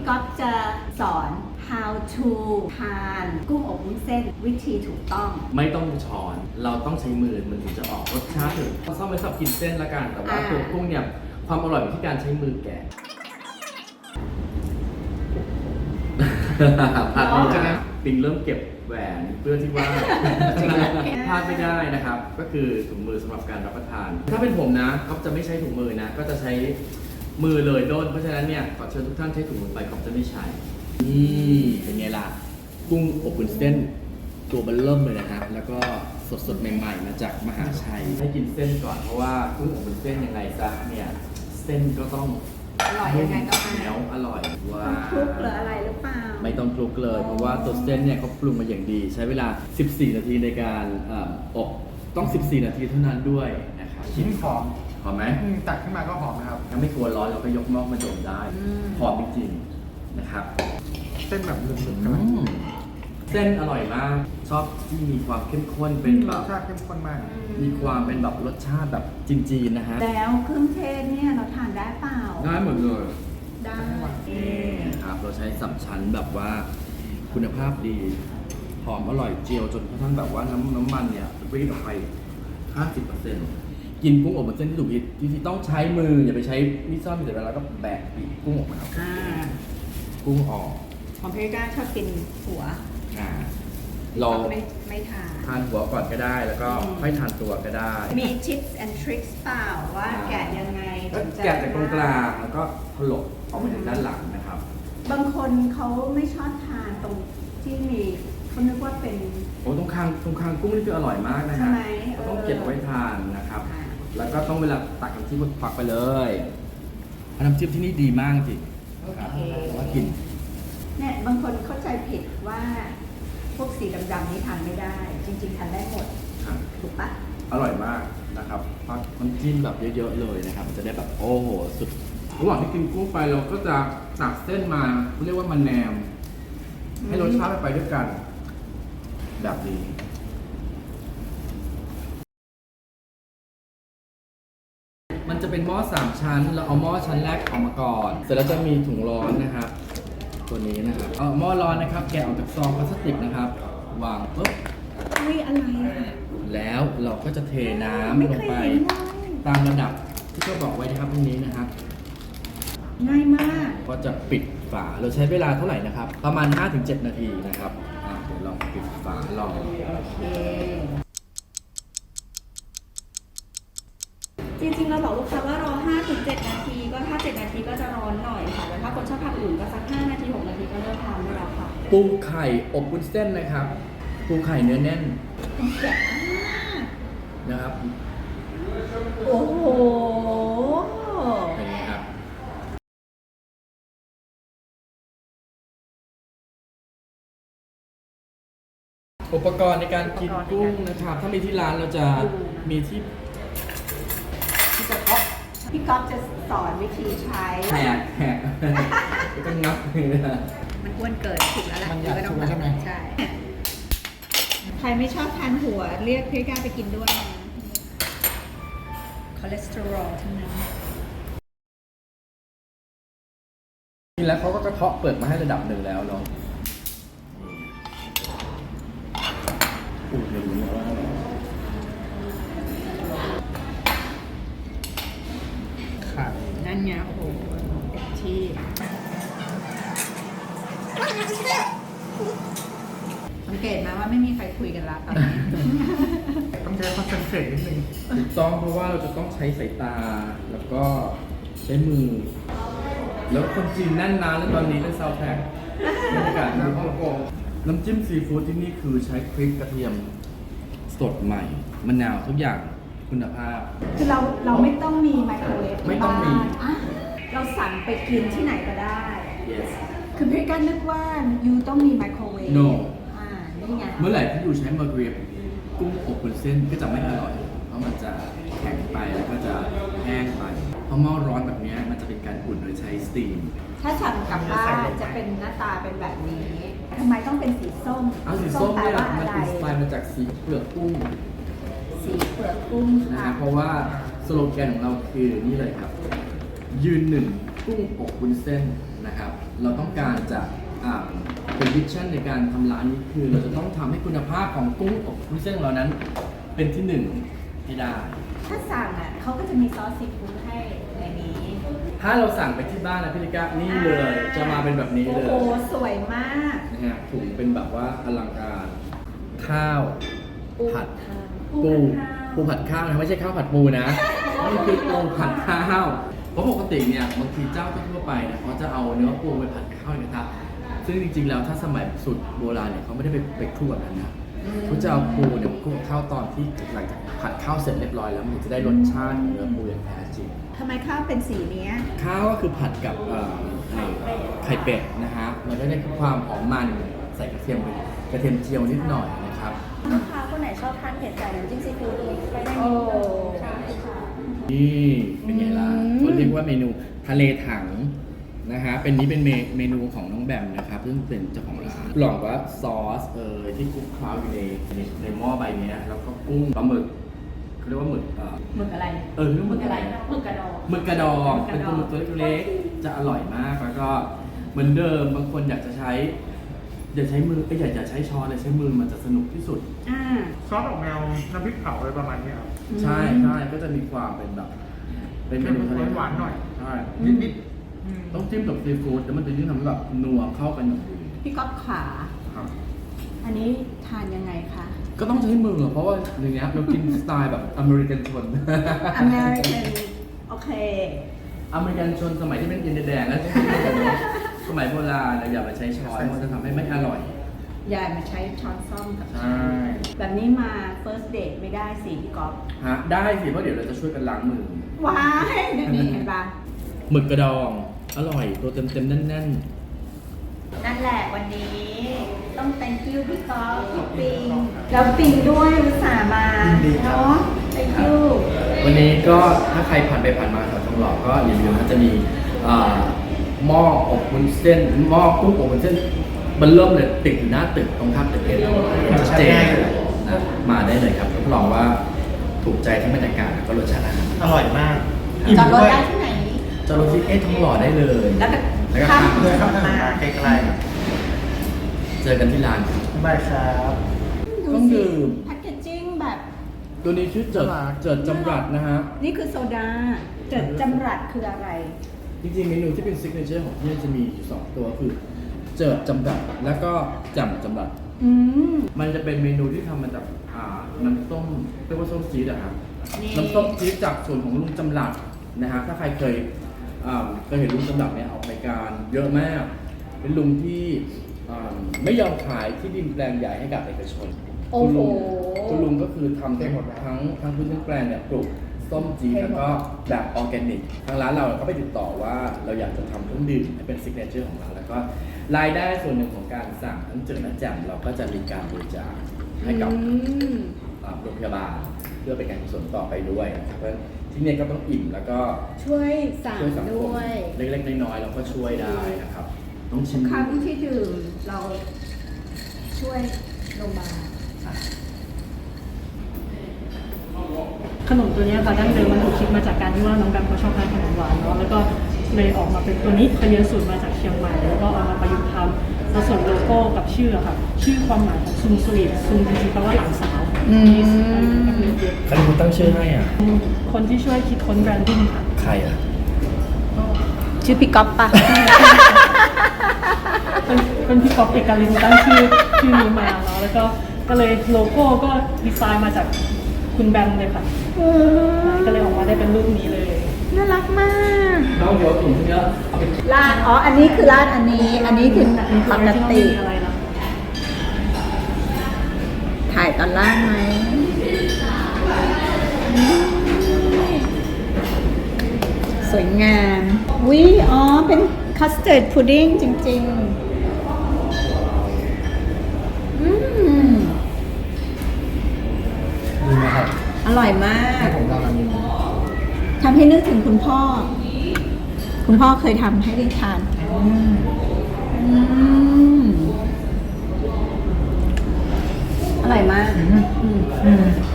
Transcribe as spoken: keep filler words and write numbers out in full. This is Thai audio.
ก๊อฟจะสอน how to ทานกุ้งอบวุ้นเส้นวิธีถูกต้องไม่ต้องช้อนเราต้องใช้มือมันถึงจะออกรสชาติถึงเราซ่อมไว้สำหรับกินเส้นละกันแต่ว่าตัวกุ้งเนี่ยความอร่อยอยู่ที่การใช้มือแกะพลาดไม่ได้ปิงเริ่มเก็บแหวนเพื่อที่ว่าพลาดไม่ได้นะครับก็คือถุงมือสำหรับการรับประทานถ้าเป็นผมนะก็จะไม่ใช้ถุงมือนะก็จะใช้มือเลยโดนเพราะฉะนั้นเนี่ยขอเชิญทุกท่านใช้ถุงมือไปก็จะไม่ใช้นี่เป็นไงล่ะกุ้งอบวุ้นเส้นตัวเบันเริ่มเลยนะครับแล้วก็สดๆใหม่ๆมาจากมหาชัยให้กินเส้นก่อนเพราะว่ากุ้งอบวุ้นเส้นยังไงซะเนี่ยเส้นก็ต้องอร่อยยังไงก็เหนียวอร่อยว้าคลุกหรืออะไรหรือเปล่าไม่ต้องคลุกเลยเพราะว่าตัวเส้นเนี่ยเขาปรุงมาอย่างดีใช้เวลาสิบสี่นาทีในการอบต้องสิบสี่นาทีเท่านั้นด้วยนะครับชิ้นหอมหอมไหมตักขึ้นมาก็หอมนะครับถ้าไม่กลัวร้อนเราก็ยกหม้อมาดมได้หอมจริงๆนะครับเส้นแบบหนึบๆกันเส้นอร่อยมากชอบที่มีความเข้มข้นเป็นแบบรสชาติเข้มข้นมากมีความเป็นแบบรสชาติแบบจีนๆนะฮะแล้วเครื่องเทศเนี่ยเราทานได้เปล่าได้หมดเลยได้ครับเราใช้สามชั้นแบบว่าคุณภาพดีหอมอร่อยเจียวจนกระทั่งแบบว่าน้ำน้ำมันเนี่ยรีดออกไป ห้าสิบเปอร์เซ็นต์ กินกุ้งอบวุ้นเส้นที่ถูกวิธีที่ต้องใช้มืออย่าไปใช้มีดซ่อมมีแต่เวลาก็แบกปีกกุ้งออกมากุ้งออกของพี่ก้าชอบกินหัวอ่าเราไม่ไม่ทานทานหัวก่อนก็ได้แล้วก็ค่อยทานตัวก็ได้มี tips and tricks เปล่าว่าแกะยังไงแกะจากตรงกลางแล้วก็ถลกออกไปทางด้านหลังนะครับบางคนเขาไม่ชอบทานตรงที่มีเขานึกว่าเป็นโอ้ตรงคางตรงคางกุ้งนี่คืออร่อยมากนะฮะต้องเก็บไว้ทานนะครับแล้วก็ต้องเวลาตักน้ำจิ้มควักไปเลยน้ำจิ้มที่นี่ดีมากจริงครับว่ากินเนี่ยบางคนเข้าใจผิดว่าพวกสีดำๆนี้ทานไม่ได้จริงๆทานได้หมดถูกปะอร่อยมากนะครับพักน้ำจิ้มแบบเยอะๆเลยนะครับจะได้แบบโอ้โหสุดระหว่างที่กินกุ้งไปเราก็จะตักเส้นมาเรียกว่ามันแนมให้รสชาติไปด้วยกันแบบนี้มันจะเป็นหม้อสามชั้นเราเอาหม้อชั้นแรกออกมาก่อนเสร็จแล้วจะมีถุงร้อนนะครับตัวนี้นะครับเอาหม้อร้อนนะครับแกะออกจากซองพลาสติกนะครับวางปุ๊บเฮ้ยอะไรอ่ะแล้วเราก็จะเทน้ำลงไปตามระดับที่เขาบอกไว้นะครับตรงนี้นะครับง่ายมากก็จะปิดฝาเราใช้เวลาเท่าไหร่นะครับประมาณ ห้าถึงเจ็ด นาทีนะครับเดี๋ยวลองปิดฝาลองโอเคจริงๆเราบอกลูกค้าว่ารอ ห้าถึงเจ็ด นาทีก็ถ้าเจ็ดนาทีก็จะร้อนหน่อยค่ะแต่ถ้าคนชอบทานอื่นก็สักห้านาทีหกนาทีก็เริ่มทานได้แล้วค่ะปูไข่อบวุ้นเส้นนะครับปูไข่เนื้อแน่นแกะนะครับโอ้โหเป็นไงครับอุปกรณ์ในการกินกุ้งนะครับถ้ามีที่ร้านเราจะมีที่ที่กระทบพี่ก๊อฟจะสอนวิธีใช้แหกแหกก็งับเลยนะมันอ้วนเกินถูกแล้วแหละมันอยากถูกใช่ไหมใช่ใครไม่ชอบทานหัวเรียกพี่ก้าไปกินด้วยนะคอเลสเตอรอลทั้งนั้นนี่แล้วเขาก็กระเทาะเปลือกมาให้ระดับหนึ่งแล้วเนาะพูดเลยนะว่าขาดนั่นไงโอ้โหเต็มที่สังเกตไหมว่าไม่มีใครคุยกันแล้วตอนนี้ต้องใช้คอนเซนเทรตนิดนึงถูกต้องเพราะว่าเราจะต้องใช้สายตาแล้วก็ใช้มือแล้วคนจีนแน่นนานแล้วตอนนี้เป็นซาวแท็กบรรยากาศในฮ่องกงน้ำจิ้มซีฟู้ดที่นี่คือใช้พริกกระเทียมสดใหม่มะนาวทุกอย่างคุณภาพคือเราเราไม่ต้องมีไมโครเวฟไม่ต้องมีเราสั่งไปกินที่ไหนก็ได้ yes คือพี่ก้านึกว่ายูต้องมีไมโครเวฟ no อ่านี่ไงเมื่อไหร่ที่ยูใช้ไมโครเวฟกุ้งอบวุ้นเส้นก็จะไม่อร่อยเพราะมันจะแข็งไปแล้วก็จะแห้งไปเพราะหม้อร้อนแบบนี้มันจะเป็นการอุ่นโดยใช้สตีมถ้าสั่งกลับบ้านจะเป็นหน้าตาเป็นแบบนี้ทำไมต้องเป็นสีส้มเอาสีส้มเนี่ยมันเป็นสไตล์มาจากสีเปลือกกุ้งสีเปลือกกุ้งนะเพราะว่าสโลแกนของเราคือนี่เลยครับยืนหนึ่งกุ้งอบวุ้นเส้นนะครับเราต้องการจะอ่าเป็นวิชั่นในการทำร้านนี้คือเราจะต้องทำให้คุณภาพของกุ้งอบวุ้นเส้นของเรานั้น เป็นที่หนึ่งให้ได้ถ้าสั่งอ่ะเขาก็จะมีซอสซีฟู้ดให้ในนี้ถ้าเราสั่งไปที่บ้านนะพี่ลิกานี่เลยจะมาเป็นแบบนี้เลยโอ้โหสวยมากนะฮะถุงเป็นแบบว่าอลังการ ข้าวผัดปูปูผัดข้าวปูผัดข้าวนะไม่ใช่ข้าวผัดปูนะ นี่คือปูผัดข้าวเพราะปกติเนี่ยบางทีเจ้าทั่วไปเนี่ยเขาจะเอาเนื้อปูไปผัดข้าวในกระทะซึ่งจริงๆแล้วถ้าสมัยสูตรโบราณเนี่ยเขาไม่ได้ไปไปคลุกแบบนั้นนะเขาจะเอาปูเนี่ยมาคลุกกับข้าวตอนที่หลังจากผัดข้าวเสร็จเรียบร้อยแล้วมันจะได้รสชาติของเนื้อปูอย่างแท้จริงทำไมข้าวเป็นสีเนี้ยข้าวก็คือผัดกับเอ่อไข่เป็ดนะฮะมันก็ได้ความหอมมันใส่กระเทียมไปกระเทียมเจียวนิดหน่อยนะครับลูกค้าคนไหนชอบทานเผ็ดใส่น้ำจิ้มซีฟู้ดไปได้โอ้ใช่ค่ะนี่เป็นไงล่ะอืมเขาเรียกว่าเมนูทะเลถังนะฮะเป็นนี้เป็นเมเมนูของน้องแบมนะครับซึ่งเป็นเจ้าของร้านหลอกว่าซอสเออที่คลุกเคล้าอยู่ในในในหม้อใบเนี้ยแล้วก็กุ้งปลาหมึกเขาเรียกว่าหมึกเออหมึกอะไรเออเรียกว่าหมึกอะไรหมึกกระดองหมึกกระดองหมึกกเป็ระนดองหมึกตัวเล็กๆจะอร่อยมากแล้วก็เหมือนเดิมบางคนอยากจะใช้อย่าใช้มือก็อย่าอย่าใช้ช้อนเลยใช้มือมันจะสนุกที่สุดอ่าซอสออกแนวน้ำพริกเผาอะไรประมาณเนี้ยครับใช่ใช่ก็จะมีความเป็นแบบ เป็นเมนูทะเลหวานๆหน่อยใช่นิดนิดๆอืมต้องจิ้มกับซีฟู้ดแล้วมันจะยิ่งทำให้แบบนัวเข้ากันอย่างดีพี่ก๊อฟขาครับอันนี้ทานยังไงคะก็ต้องใช้มือเพราะว่าอย่างเงี้ยเรากินสไตล์แบบอเมริกันชนอเมริกันโอเคอเมริกันชนสมัยที่เป็นอินเดียแดงแล้วใช้มือกันเนอะสมัยโบราณเราอย่าไปใช้ช้อนมันจะทำให้ไม่อร่อยยายมาใช้ช้อนซ่อมกับใช่แบบนี้มา first date ไม่ได้สิพี่ก๊อฟฮะได้สิเพราะเดี๋ยวเราจะช่วยกันล้างมือว้ายนี่เห็นปะหมึกกระดองอร่อยตัวเต็มเต็มๆแน่นนั่นแหละวันนี้ต้อง thank you พี่ก๊อฟพี่ปิงแล้วปิงด้วยอุตส่าห์มาเนาะ thank you ๆวันนี้ก็ถ้าใครผ่านไปผ่านมาแถวทองหล่อก็อย่าลืมนะจะมีอ่าหม้ออบวุ้นเส้นหม้อกุ้งอบวุ้นเส้นมันเริ่มเลยติดอยู่หน้าตึกตรงข้ามตึกเอ็นชัดเจนนะมาได้เลยครับรับรองว่าถูกใจทั้งบรรยากาศแล้วก็รสชาติอาหารอร่อยมากจอดรถด้วยได้ที่ไหนจอรถที่เอ๊ะทองหล่อได้เลยแล้วก็แล้วก็ข้ามข้ามเดินเข้าถนนมาไกลๆครับเจอกันที่ร้านครับบ๊ายบายครับต้องดื่มแพคเกจจิ้งแบบตัวนี้ชื่อเจิดเจิดจำรัดนะฮะนี่คือโซดาเจิดจำรัดคืออะไรจริงๆเมนูที่เป็นซิกเนเจอร์ของที่นี่จะมีอยู่สองตัวคือเจิดจำรัดแล้วก็แจ่มจำรัดอืมมันจะเป็นเมนูที่ทำมาจากอ่าน้ำส้มเรียกว่าส้มจี๊ดอะครับนี่น้ำส้มจี๊ดจากส่วนของลุงจำรัดนะฮะถ้าใครเคยอ่าเคยเห็นลุงจำรัดเนี่ยออกรายการเยอะมาก เป็นลุงที่อ่าไม่ยอมขายที่ดินแปลงใหญ่ให้กับเอกชนโอ้คุณโหลุงคุณลุงก็คือทำทั้งหมดทั้งทั้งพื้นทั้งแปลงเนี่ยปลูกส้มจี๊ดแล้วก็แบบออร์แกนิกทางร้านเราก็ไปติดต่อว่าเราอยากจะทำเครื่องดื่มให้เป็นซิกเนเจอร์ของเราแล้วก็รายได้ส่วนหนึ่งของการสั่งทั้งเจิดและแจ่มเราก็จะมีการบริจาคให้กับอืมอ่าโรงพยาบาลเพื่อเป็นการกุศลต่อไปด้วยนะครับเพราะฉะนั้นที่เนี่ยก็ต้องอิ่มแล้วก็ช่วยสั่งช่วยสังคด้มวยเล็กๆน้อยๆเราก็ช่วยได้นะครับต้องชิมครั้งที่ดื่มเราช่วยโรงพยาบาลขนมตัวเนี้ยค่ะดั้งเดิมมันถูกคิดมาจากการที่ว่าน้องแบมเขาชอบทานขนมหวานเนาะแล้วก็เลยออกมาเป็นตัวนี้ไปเรียนสูตรมาจากเชียงใหม่แล้วก็เอามาประยุกต์ทำแล้วส่วนโลโก้กับชื่ออะค่ะชื่อความหมายของซุงสวีทซุงจริงๆแปลว่าหลานสาวอืมใครเป็นคนตั้งชื่อให้อ่ะคนที่ช่วยคิดค้นแบรนดิ้งค่ะใครอ่ะชื่อพี่ก๊อฟปะเป็นเป็นพี่ก๊อฟเอกลินตั้งชื่อชื่อนี้มาเนาะแล้วก็ก็เลยโลโก้ก็ดีไซน์มาจากคุณแบมเลยค่ะก็เลยออกมาได้เป็นรูปนี้เลยน่ารักมากน้องเดี๋ยวถุงเยอะเอาไปร้านอ๋อ อันนี้คือร้านอันนี้ อันนี้คือปกติอะไรนะถ่ายตอนล่างไหมสวยงามวิอ๋อ เป็นคัสเต r ร์ดพุดดิ้งจริง ๆ อืมดีไหมครับอร่อยมากให้ผมลองอันนี้ทำให้นึกถึงคุณพ่อ คุณพ่อเคยทำให้ได้ทานอืมอืม อร่อยมากอืมอืมอืม